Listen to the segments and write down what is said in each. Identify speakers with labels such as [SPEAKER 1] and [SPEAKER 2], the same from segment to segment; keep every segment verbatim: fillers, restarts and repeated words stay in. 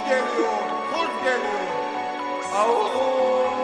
[SPEAKER 1] geliyor, kuz geliyor. Au.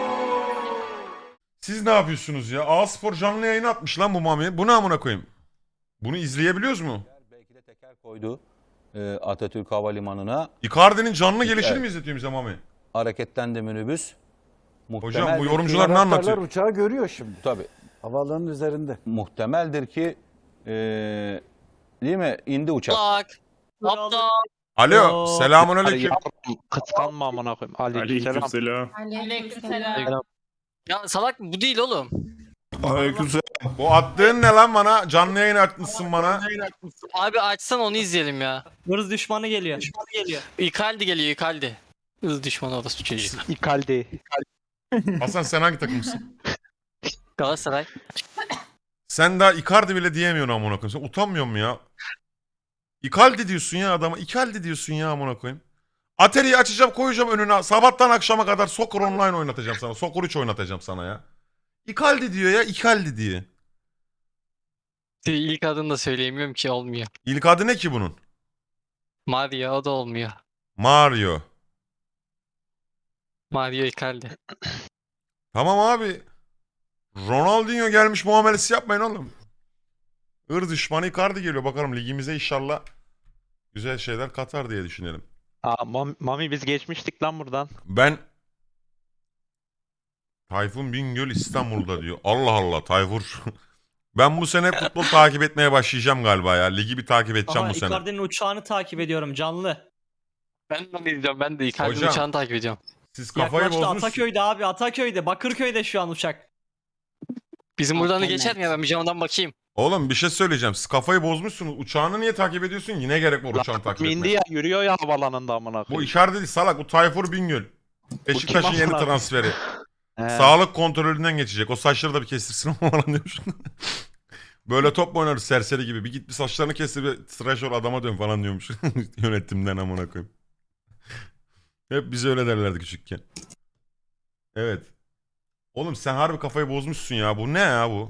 [SPEAKER 1] Siz ne yapıyorsunuz ya? A-Spor canlı yayın atmış lan bu Mami. Bu ne amına koyayım? Bunu izleyebiliyoruz mu?
[SPEAKER 2] Belki de teker koydu e, Atatürk Havalimanı'na.
[SPEAKER 1] Icardi'nin canlı gelişini
[SPEAKER 2] Evet.
[SPEAKER 1] mi izletiyor bize Mami?
[SPEAKER 2] Hareketlendi minibüs.
[SPEAKER 1] Hocam bu
[SPEAKER 2] Muhtemeldir
[SPEAKER 1] yorumcular
[SPEAKER 2] ki-
[SPEAKER 1] ne
[SPEAKER 3] Anahtarlar
[SPEAKER 1] anlatıyor?
[SPEAKER 3] uçağı görüyor şimdi.
[SPEAKER 2] Tabii.
[SPEAKER 3] Havaalanının üzerinde.
[SPEAKER 2] Muhtemeldir ki e, değil mi? İndi uçak.
[SPEAKER 4] Bak. Aptal.
[SPEAKER 1] Alo, selamun aleyküm.
[SPEAKER 5] Kıskanma amına koyayım. Aleykümselam.
[SPEAKER 6] Aleykümselam.
[SPEAKER 4] Aleykümselam. Ya salak bu değil oğlum.
[SPEAKER 6] Aleykümselam.
[SPEAKER 1] Bu attığın ne lan bana? Canlı yayın açmışsın bana.
[SPEAKER 4] Abi açsan onu izleyelim ya.
[SPEAKER 7] Hırs düşmanı geliyor. Düşmanı geliyor.
[SPEAKER 4] Icardi geliyor Icardi. Hız düşmanı orası çocuğu.
[SPEAKER 5] İkaldi.
[SPEAKER 1] Hasan sen hangi takımsın?
[SPEAKER 4] Galatasaray.
[SPEAKER 1] Sen daha Icardi bile diyemiyorsun amına koyayım. Sen utanmıyor musun ya? Icardi diyorsun ya adama. Icardi diyorsun ya amına koyayım. Atari'yi açacağım koyacağım önüne. Sabahtan akşama kadar Soccer Online oynatacağım sana. Soccer üç oynatacağım sana ya. Icardi diyor ya. Icardi diye.
[SPEAKER 4] İlk adını da söyleyemiyorum ki olmuyor.
[SPEAKER 1] İlk adı ne ki bunun?
[SPEAKER 4] Mario o da olmuyor.
[SPEAKER 1] Mario.
[SPEAKER 4] Mario Icardi.
[SPEAKER 1] Tamam abi. Ronaldinho gelmiş muamelesi yapmayın oğlum. Ir düşmanı Icardi geliyor. Bakalım ligimize inşallah güzel şeyler katar diye düşünelim.
[SPEAKER 5] Aa, Mami, Mami biz geçmiştik lan buradan.
[SPEAKER 1] Ben Tayfun Bingöl İstanbul'da diyor. Allah Allah Tayfur. Ben bu sene futbol takip etmeye başlayacağım galiba ya. Ligi bir takip edeceğim
[SPEAKER 7] Aha
[SPEAKER 1] bu sene.
[SPEAKER 7] Icardi'nin uçağını takip ediyorum canlı.
[SPEAKER 4] Ben de onu izliyorum. Ben de Icardi'nin
[SPEAKER 1] Hocam.
[SPEAKER 4] uçağını takip ediyorum.
[SPEAKER 1] Siz kafayı
[SPEAKER 7] Yaklaştı
[SPEAKER 1] bozmuşsunuz.
[SPEAKER 7] Ataköy'de abi Ataköy'de. Bakırköy'de şu an uçak.
[SPEAKER 4] Bizim buradan da
[SPEAKER 8] Mükemmel.
[SPEAKER 4] geçer mi ya? Ben bir camdan bakayım.
[SPEAKER 1] Oğlum bir şey söyleyeceğim. Siz kafayı bozmuşsunuz. Uçağını niye takip ediyorsun? Yine gerek var uçağını takip
[SPEAKER 5] Mindi
[SPEAKER 1] etmeye.
[SPEAKER 5] ya yürüyor ya havalanında amına
[SPEAKER 1] Bu
[SPEAKER 5] koyayım.
[SPEAKER 1] Icardi değil salak. Bu Tayfur Bingöl. Beşiktaş'ın
[SPEAKER 5] kim
[SPEAKER 1] yeni
[SPEAKER 5] amına?
[SPEAKER 1] transferi.
[SPEAKER 5] He.
[SPEAKER 1] Sağlık kontrolünden geçecek. O saçları da bir kestirsin falan diyormuş. Böyle top mu oynarız serseri gibi? Bir git bir saçlarını kestir bir tıraş ol adama dön falan diyormuş. Yönetimden amına koyayım. Hep bize öyle derlerdi küçükken. Evet. Oğlum sen harbi kafayı bozmuşsun ya. Bu ne ya bu?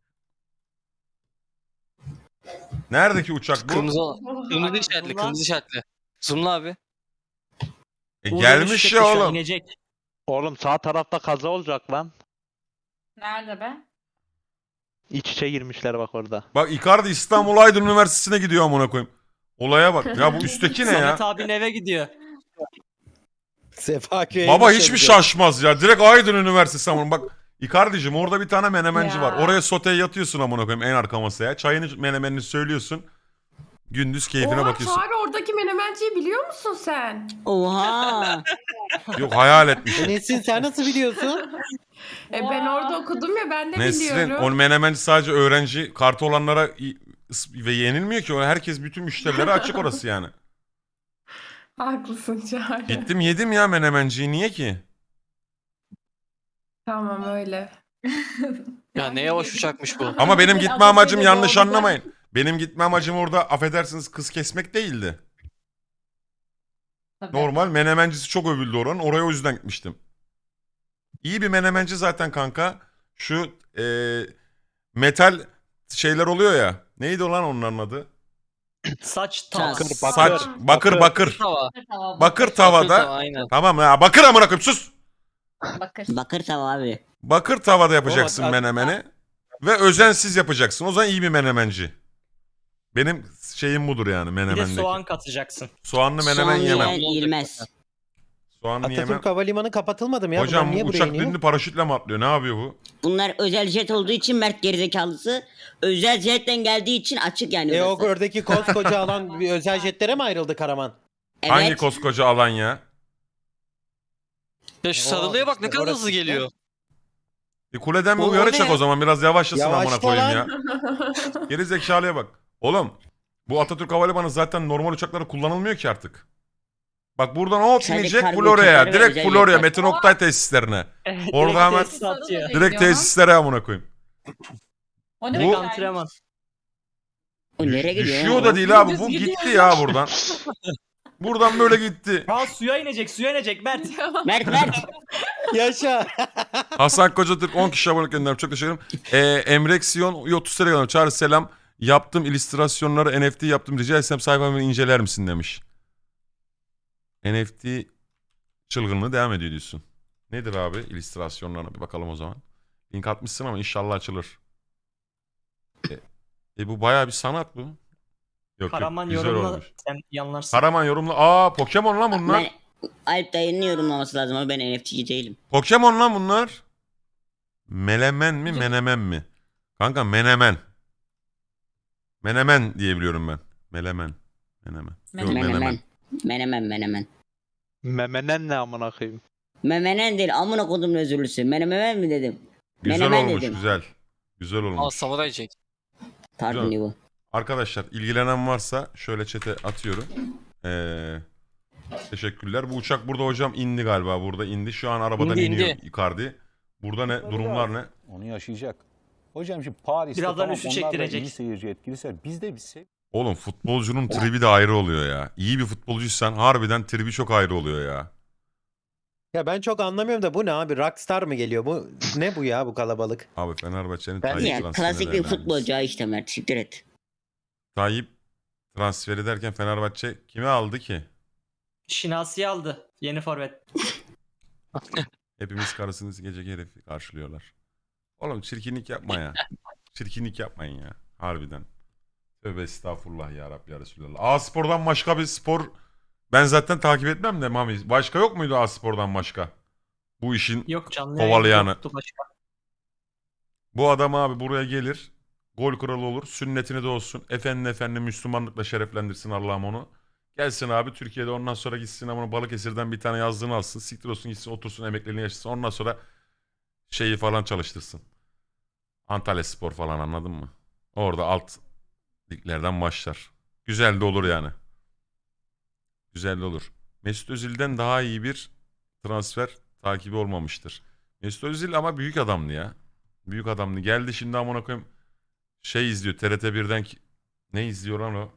[SPEAKER 1] Neredeki uçak bu?
[SPEAKER 4] Kırmızı Kırmızı işaretli. Kırmızı işaretli. Zoomla abi.
[SPEAKER 1] E,
[SPEAKER 7] Uğur
[SPEAKER 1] gelmiş
[SPEAKER 7] dönüşecek
[SPEAKER 1] ya
[SPEAKER 7] de şu an,
[SPEAKER 1] oğlum.
[SPEAKER 7] İnecek.
[SPEAKER 5] Oğlum sağ tarafta kaza olacak lan.
[SPEAKER 6] Nerede be?
[SPEAKER 5] İç içe girmişler bak orada.
[SPEAKER 1] Bak Icardi İstanbul Aydın Üniversitesi'ne gidiyor amına koyayım. Olaya bak. Ya bu üstteki ne ya?
[SPEAKER 7] Samet abinin eve gidiyor.
[SPEAKER 3] Sefaköy'e
[SPEAKER 1] Baba hiçbir şaşmaz ya. Direkt Aydın Üniversitesi amına. Bak Icardi'cim orada bir tane menemenci
[SPEAKER 6] Ya.
[SPEAKER 1] var. Oraya soteye yatıyorsun amına koyayım en arka masaya. Çayını menemenini söylüyorsun. Gündüz keyfine
[SPEAKER 9] Oha
[SPEAKER 1] bakıyorsun.
[SPEAKER 9] Çağrı oradaki menemenciyi biliyor musun sen?
[SPEAKER 8] Oha.
[SPEAKER 1] Yok hayal etmiş.
[SPEAKER 3] Nesin sen nasıl biliyorsun?
[SPEAKER 9] E ben orada okudum ya ben de
[SPEAKER 1] Nesrin
[SPEAKER 9] biliyorum.
[SPEAKER 1] o menemenci sadece öğrenci kartı olanlara i- ıs- ve yenilmiyor ki. O herkes bütün müşterilere açık orası yani.
[SPEAKER 9] Haklısın Çağrı.
[SPEAKER 1] Gittim yedim ya menemenciyi niye ki?
[SPEAKER 9] Tamam öyle.
[SPEAKER 4] Ya ne yavaş uçakmış bu.
[SPEAKER 1] Ama benim gitme
[SPEAKER 6] Atatürk'e
[SPEAKER 1] amacım yanlış
[SPEAKER 6] doğrudan-
[SPEAKER 1] anlamayın. Benim gitme amacım orada affedersiniz kız kesmek değildi.
[SPEAKER 6] Tabii.
[SPEAKER 1] Normal menemencisi çok övüldü oranın. Oraya o yüzden gitmiştim. İyi bir menemenci zaten kanka. Şu eee, metal şeyler oluyor ya. Neydi o lan onların adı?
[SPEAKER 7] Saç
[SPEAKER 8] Saç.
[SPEAKER 7] tas.
[SPEAKER 1] Saç. Bakır bakır.
[SPEAKER 4] Tava.
[SPEAKER 6] Tamam,
[SPEAKER 1] Bakır
[SPEAKER 4] Bakır
[SPEAKER 1] tavada.
[SPEAKER 4] tava, aynen.
[SPEAKER 1] Tamam ya bakır amına koyayım sus.
[SPEAKER 6] Bakır.
[SPEAKER 8] Bakır tava abi.
[SPEAKER 1] Bakır tavada yapacaksın
[SPEAKER 3] O-
[SPEAKER 1] menemeni. Ve özensiz yapacaksın. O zaman iyi bir menemenci. Benim şeyim budur yani
[SPEAKER 7] Bir de
[SPEAKER 1] menemendeki.
[SPEAKER 7] soğan katacaksın.
[SPEAKER 1] Soğanlı menemen
[SPEAKER 8] Soğan
[SPEAKER 1] yemem.
[SPEAKER 8] yiyen yenmez.
[SPEAKER 1] Soğanlı yemem.
[SPEAKER 3] Atatürk Havalimanı kapatılmadı mı ya?
[SPEAKER 1] Hocam
[SPEAKER 3] Bunlar
[SPEAKER 1] bu
[SPEAKER 3] niye buraya
[SPEAKER 1] uçak
[SPEAKER 3] iniyor?
[SPEAKER 1] dünlü paraşütle mi atlıyor? Ne yapıyor bu?
[SPEAKER 8] Bunlar özel jet olduğu için Mert gerizekalısı. Özel jetten geldiği için açık yani
[SPEAKER 3] E o
[SPEAKER 8] orası.
[SPEAKER 3] oradaki koskoca alan bir özel jetlere mi ayrıldı Karaman?
[SPEAKER 8] Evet.
[SPEAKER 1] Hangi koskoca alan ya?
[SPEAKER 4] Ya şu
[SPEAKER 3] Oo,
[SPEAKER 4] sarılıya bak ne
[SPEAKER 3] işte
[SPEAKER 4] kadar
[SPEAKER 3] orası
[SPEAKER 4] hızlı
[SPEAKER 3] işte.
[SPEAKER 4] geliyor.
[SPEAKER 1] E kuleden bir
[SPEAKER 3] O- o
[SPEAKER 1] uyarı
[SPEAKER 3] ne
[SPEAKER 1] çek
[SPEAKER 3] ya?
[SPEAKER 1] o zaman. Biraz yavaşlasın
[SPEAKER 3] Yavaşla
[SPEAKER 1] amına koyayım ya.
[SPEAKER 3] lan.
[SPEAKER 1] Geri zekalıya bak. Oğlum bu Atatürk Havalimanı zaten normal uçaklara kullanılmıyor ki artık. Bak buradan hop
[SPEAKER 8] Sadece
[SPEAKER 1] inecek
[SPEAKER 8] kargo
[SPEAKER 1] Florya'ya.
[SPEAKER 8] uçakları ve
[SPEAKER 1] Direkt
[SPEAKER 8] özel
[SPEAKER 1] Florya.
[SPEAKER 8] jetler.
[SPEAKER 1] Metin Oktay tesislerine. Orada hemen
[SPEAKER 7] tesis atıyor.
[SPEAKER 1] direkt tesislere amına koyayım.
[SPEAKER 6] O
[SPEAKER 1] Bu-
[SPEAKER 6] ne
[SPEAKER 7] Direkt
[SPEAKER 6] bu
[SPEAKER 7] antrenman.
[SPEAKER 8] O nereye gidiyor?
[SPEAKER 1] Düşüyor
[SPEAKER 8] ya?
[SPEAKER 1] da değil abi.
[SPEAKER 6] Dümdüz
[SPEAKER 1] Bu
[SPEAKER 6] gidiyor
[SPEAKER 1] gitti
[SPEAKER 6] ya.
[SPEAKER 1] ya buradan. Buradan böyle gitti.
[SPEAKER 7] Ha suya inecek suya inecek Mert.
[SPEAKER 8] Mert Mert.
[SPEAKER 3] Yaşa.
[SPEAKER 1] Hasan Kocatürk on kişi abone gönderdim. Çok teşekkür ederim. Ee, Emreksiyon otuz lira gönderdim. Çağrı selam. Yaptım illüstrasyonları N F T yaptım. Rica etsem sayfamı inceler misin demiş. N F T çılgınlığı devam ediyor diyorsun. Nedir abi illüstrasyonlarına bir bakalım o zaman. Link atmışsın ama inşallah açılır. E, e bu bayağı bir sanat bu. Yok yok
[SPEAKER 7] Karaman
[SPEAKER 1] güzel
[SPEAKER 7] yorumla
[SPEAKER 1] olmuş.
[SPEAKER 7] sen yanlarsın.
[SPEAKER 1] Karaman yorumla. Aa Pokemon lan bunlar.
[SPEAKER 8] Ben, Alp dayının yorumlaması lazım ama ben N F T'ci değilim.
[SPEAKER 1] Pokemon lan bunlar. Melemen mi menemen mi? Kanka menemen. Menemen diyebiliyorum ben. Melemen. Menemen. Yok,
[SPEAKER 6] Menemen.
[SPEAKER 8] Menemen. Menemen menemen.
[SPEAKER 5] Memenen ne amına koyayım?
[SPEAKER 8] Memenen değil amına kodum özürlüsü. Menemen mi dedim?
[SPEAKER 1] Güzel
[SPEAKER 8] Menemen
[SPEAKER 1] olmuş
[SPEAKER 8] dedim.
[SPEAKER 1] güzel. Güzel
[SPEAKER 4] Aa
[SPEAKER 1] olmuş.
[SPEAKER 4] samuray çek.
[SPEAKER 8] Pardon
[SPEAKER 1] Güzel.
[SPEAKER 8] bu.
[SPEAKER 1] Arkadaşlar ilgilenen varsa şöyle çete atıyorum. Ee, teşekkürler. Bu uçak burada hocam indi galiba. Burada indi. Şu an arabadan
[SPEAKER 4] İndi,
[SPEAKER 1] iniyor
[SPEAKER 4] indi.
[SPEAKER 1] Icardi. Burada ne? Durumlar ne?
[SPEAKER 2] Onu yaşayacak. Hocam şimdi Paris'te
[SPEAKER 7] Birazdan
[SPEAKER 2] tamam
[SPEAKER 7] üstü
[SPEAKER 2] onlar da
[SPEAKER 7] çektirecek.
[SPEAKER 2] iyi seyirci etkilisi. Biz de bir sev
[SPEAKER 1] Oğlum futbolcunun tribi de ayrı oluyor ya. İyi bir futbolcuysan harbiden tribi çok ayrı oluyor ya.
[SPEAKER 3] Ya ben çok anlamıyorum da bu ne abi? Rockstar mı geliyor? Bu ne bu ya bu kalabalık?
[SPEAKER 1] Abi Fenerbahçe'nin
[SPEAKER 8] Ben
[SPEAKER 1] Tayyip
[SPEAKER 8] ya
[SPEAKER 1] transferini
[SPEAKER 8] klasik bir
[SPEAKER 1] değerlendiririz.
[SPEAKER 8] futbolcu ha işte Mert. Siktir et.
[SPEAKER 1] Tayyip transferi derken Fenerbahçe kimi aldı ki?
[SPEAKER 7] Şinasi aldı. Yeni forvet.
[SPEAKER 1] Hepimiz karısınız gece herifi karşılıyorlar. Oğlum çirkinlik yapma ya. Çirkinlik yapmayın ya. Harbiden. Tövbe estağfurullah ya Rabbi ya Resulallah. A Spor'dan başka bir spor ben zaten takip etmem de Mami. Başka yok muydu A Spor'dan başka? Bu işin
[SPEAKER 7] Yok canlı
[SPEAKER 1] Kovalayanı.
[SPEAKER 7] yoktu başka.
[SPEAKER 1] bu adam abi buraya gelir. Gol kralı olur. Sünnetini de olsun. Efendi efendi Müslümanlıkla şereflendirsin Allah'ım onu. Gelsin abi Türkiye'de ondan sonra gitsin ama Balıkesir'den bir tane yazdığını alsın. Siktir olsun gitsin otursun emekliliğini yaşasın. Ondan sonra şeyi falan çalıştırsın. Antalya Spor falan anladın mı? Orada alt liglerden başlar. Güzel de olur yani. Güzel de olur. Mesut Özil'den daha iyi bir transfer takibi olmamıştır. Mesut Özil ama büyük adamdı ya. Büyük adamdı. Geldi şimdi amına koyayım şey izliyor T R T birden ki- ne izliyor lan o?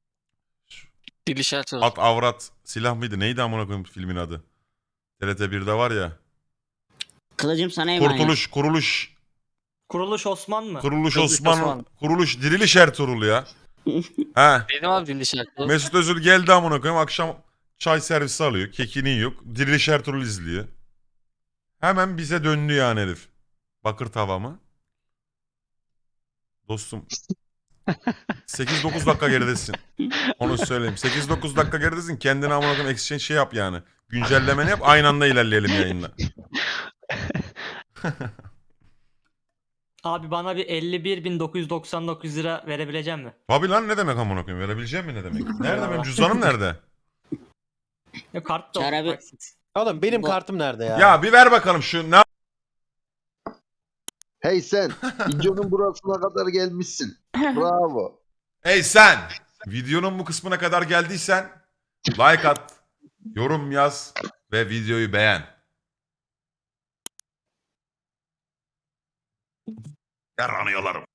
[SPEAKER 4] Dili şartı
[SPEAKER 1] At avrat silah mıydı? Neydi amına koyayım filmin adı? T R T birde var ya.
[SPEAKER 8] Kılıcım sana emanet.
[SPEAKER 1] Kurtuluş, kuruluş,
[SPEAKER 7] Kuruluş Osman mı?
[SPEAKER 1] kuruluş
[SPEAKER 4] Kuruluş
[SPEAKER 1] Osman,
[SPEAKER 4] Osman.
[SPEAKER 1] kuruluş Diriliş Ertuğrul ya. He.
[SPEAKER 4] Dedim abi dili şartı.
[SPEAKER 1] Mesut Özil geldi amına koyayım akşam çay servisi alıyor. Kekini yiyor. Diriliş Ertuğrul izliyor. Hemen bize döndü yani herif. Bakır tava mı? Dostum. sekiz dokuz dakika geridesin. Onu söyleyeyim. sekiz dokuz dakika geridesin. Kendine amına koyayım exchange şey yap yani. Güncellemeni yap. Aynı anda ilerleyelim yayında.
[SPEAKER 7] Abi bana bir elli bir bin dokuz yüz doksan dokuz lira verebilecek mi?
[SPEAKER 1] Tabii lan ne demek amına koyayım? Verebileceğim mi ne demek? Nerede benim cüzdanım nerede?
[SPEAKER 7] Yok kart da
[SPEAKER 8] Çağrı abi-
[SPEAKER 7] taksit.
[SPEAKER 3] Oğlum benim
[SPEAKER 8] Bu-
[SPEAKER 3] kartım nerede ya?
[SPEAKER 1] Ya bir ver bakalım şu ne
[SPEAKER 10] Hey sen, videonun burasına kadar gelmişsin. Bravo.
[SPEAKER 1] Ey sen! Videonun bu kısmına kadar geldiysen like at, yorum yaz ve videoyu beğen. Yaranıyorlarım.